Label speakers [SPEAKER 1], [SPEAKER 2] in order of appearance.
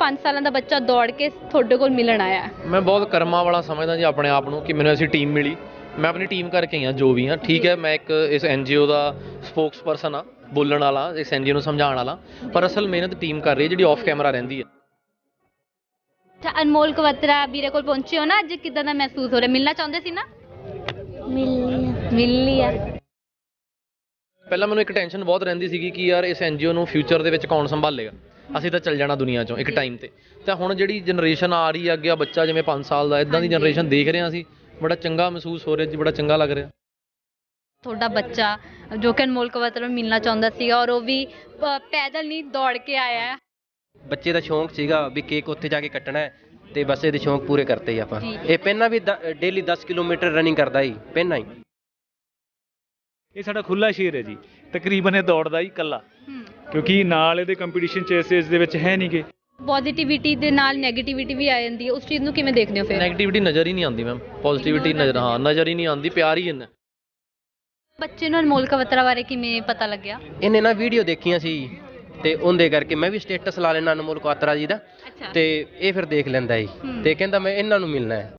[SPEAKER 1] 5 ਸਾਲਾਂ ਦਾ ਬੱਚਾ ਦੌੜ ਕੇ ਤੁਹਾਡੇ ਕੋਲ ਮਿਲਣ ਆਇਆ?
[SPEAKER 2] ਮੈਂ ਬਹੁਤ ਕਰਮਾਂ ਵਾਲਾ ਸਮਝਦਾ ਜੀ ਆਪਣੇ ਆਪ ਨੂੰ ਕਿ ਮੈਨੂੰ ਐਸੀ ਟੀਮ ਮਿਲੀ। ਮੈਂ ਆਪਣੀ ਟੀਮ ਕਰਕੇ ਹੀ ਹਾਂ ਜੋ ਵੀ ਹਾਂ, ਠੀਕ ਹੈ। ਮੈਂ ਇੱਕ ਇਸ NGO ਦਾ ਸਪੋਕਸ ਪਰਸਨ ਹਾਂ, ਬੋਲਣ ਵਾਲਾ, ਇਸ NGO ਨੂੰ ਸਮਝਾਉਣ ਵਾਲਾ, ਪਰ ਅਸਲ ਮਿਹਨਤ ਟੀਮ ਕਰ ਰਹੀ ਹੈ ਜਿਹੜੀ ਆਫ ਕੈਮਰਾ ਰਹਿੰਦੀ ਹੈ।
[SPEAKER 1] ਅੱਛਾ, ਅਨਮੋਲ ਕਵਤਰਾ ਵੀਰੇ ਕੋਲ ਪਹੁੰਚੇ ਹੋ ਨਾ, ਅੱਜ ਕਿੱਦਾਂ ਦਾ ਮਹਿਸੂਸ ਹੋ ਰਿਹਾ? ਮਿਲਣਾ ਚਾਹੁੰਦੇ ਸੀ ਨਾ? ਮਿਲ ਲਿਆ।
[SPEAKER 2] ਪਹਿਲਾਂ ਮੈਨੂੰ ਇੱਕ ਟੈਨਸ਼ਨ ਬਹੁਤ ਰਹਿੰਦੀ ਸੀਗੀ ਕਿ ਯਾਰ ਇਸ NGO ਨੂੰ ਫਿਊਚਰ ਦੇ ਵਿੱਚ ਕੌਣ ਸੰਭਾਲੇਗਾ, ਅਸੀਂ ਤਾਂ ਚੱਲ ਜਾਣਾ ਦੁਨੀਆ ਚੋਂ ਇੱਕ ਟਾਈਮ ਤੇ। ਤਾਂ ਹੁਣ ਜਿਹੜੀ ਜਨਰੇਸ਼ਨ ਆ ਰਹੀ ਹੈ ਅੱਗੇ, ਬੱਚਾ ਜਿਵੇਂ 5 ਸਾਲ ਦਾ, ਇੱਦਾਂ ਦੀ ਜਨਰੇਸ਼ਨ ਦੇਖ ਰਹੇ ਹਾਂ ਅਸੀਂ, ਬੜਾ ਚੰਗਾ ਮਹਿਸੂਸ ਹੋ ਰਿਹਾ ਜੀ, ਬੜਾ ਚੰਗਾ ਲੱਗ ਰਿਹਾ।
[SPEAKER 1] ਤੁਹਾਡਾ ਬੱਚਾ ਜੋ ਕਿ ਅਨਮੋਲ ਕਵਤਰਾ ਨੂੰ ਮਿਲਣਾ ਚਾਹੁੰਦਾ ਸੀਗਾ, ਔਰ ਉਹ ਵੀ ਪੈਦਲ ਨਹੀਂ ਦੌੜ ਕੇ ਆਇਆ ਹੈ।
[SPEAKER 3] ਬੱਚੇ ਦਾ ਸ਼ੌਂਕ ਸੀਗਾ ਵੀ ਕੇਕ ਉੱਥੇ ਜਾ ਕੇ ਕੱਟਣਾ ਹੈ, ਤੇ ਬਸ ਇਹਦੇ ਸ਼ੌਂਕ ਪੂਰੇ ਕਰਤੇ ਹੀ ਆਪਾਂ। ਇਹ ਪਹਿਲਾਂ ਵੀ ਡੇਲੀ 10 ਕਿਲੋਮੀਟਰ ਰਨਿੰਗ ਕਰਦਾ ਹੀ ਪਹਿਲਾਂ ਹੀ।
[SPEAKER 4] ਇਹ ਸਾਡਾ ਖੁੱਲਾ ਸ਼ੇਰ ਹੈ ਜੀ, ਤਕਰੀਬਨ ਇਹ ਦੌੜਦਾ ਹੀ ਇਕੱਲਾ, ਕਿਉਂਕਿ ਨਾਲ ਇਹਦੇ ਕੰਪੀਟੀਸ਼ਨ ਚ ਇਸ ਏਜ ਦੇ ਵਿੱਚ ਹੈ ਨਹੀਂਗੇ।
[SPEAKER 1] ਪੋਜ਼ਿਟਿਵਿਟੀ ਦੇ ਨਾਲ ਨੈਗੇਟਿਵਿਟੀ ਵੀ ਆ ਜਾਂਦੀ ਹੈ, ਉਸ ਚੀਜ਼ ਨੂੰ ਕਿਵੇਂ ਦੇਖਦੇ ਹੋ ਫਿਰ?
[SPEAKER 2] ਨੈਗੇਟਿਵਿਟੀ ਨਜ਼ਰ ਹੀ ਨਹੀਂ ਆਉਂਦੀ ਮੈਮ, ਪੋਜ਼ਿਟਿਵਿਟੀ ਨਜ਼ਰ ਹੀ ਨਹੀਂ ਆਉਂਦੀ, ਪਿਆਰ ਹੀ ਇੰਨਾ।
[SPEAKER 1] ਬੱਚੇ ਨੂੰ ਅਨਮੋਲ ਕਵਤਰਾ ਬਾਰੇ ਕਿਵੇਂ ਪਤਾ ਲੱਗਿਆ?
[SPEAKER 3] ਇਹਨੇ ਨਾ ਵੀਡੀਓ ਦੇਖੀਆਂ ਸੀ ਤੇ ਉਹਦੇ ਕਰਕੇ ਮੈਂ ਵੀ ਸਟੇਟਸ ਲਾ ਲੈਣਾ ਅਨਮੋਲ ਕਵਤਰਾ ਜੀ ਦਾ, ਤੇ ਇਹ ਫਿਰ ਦੇਖ ਲੈਂਦਾ ਜੀ ਤੇ ਕਹਿੰਦਾ ਮੈਂ ਇਹਨਾਂ ਨੂੰ ਮਿਲਣਾ ਹੈ।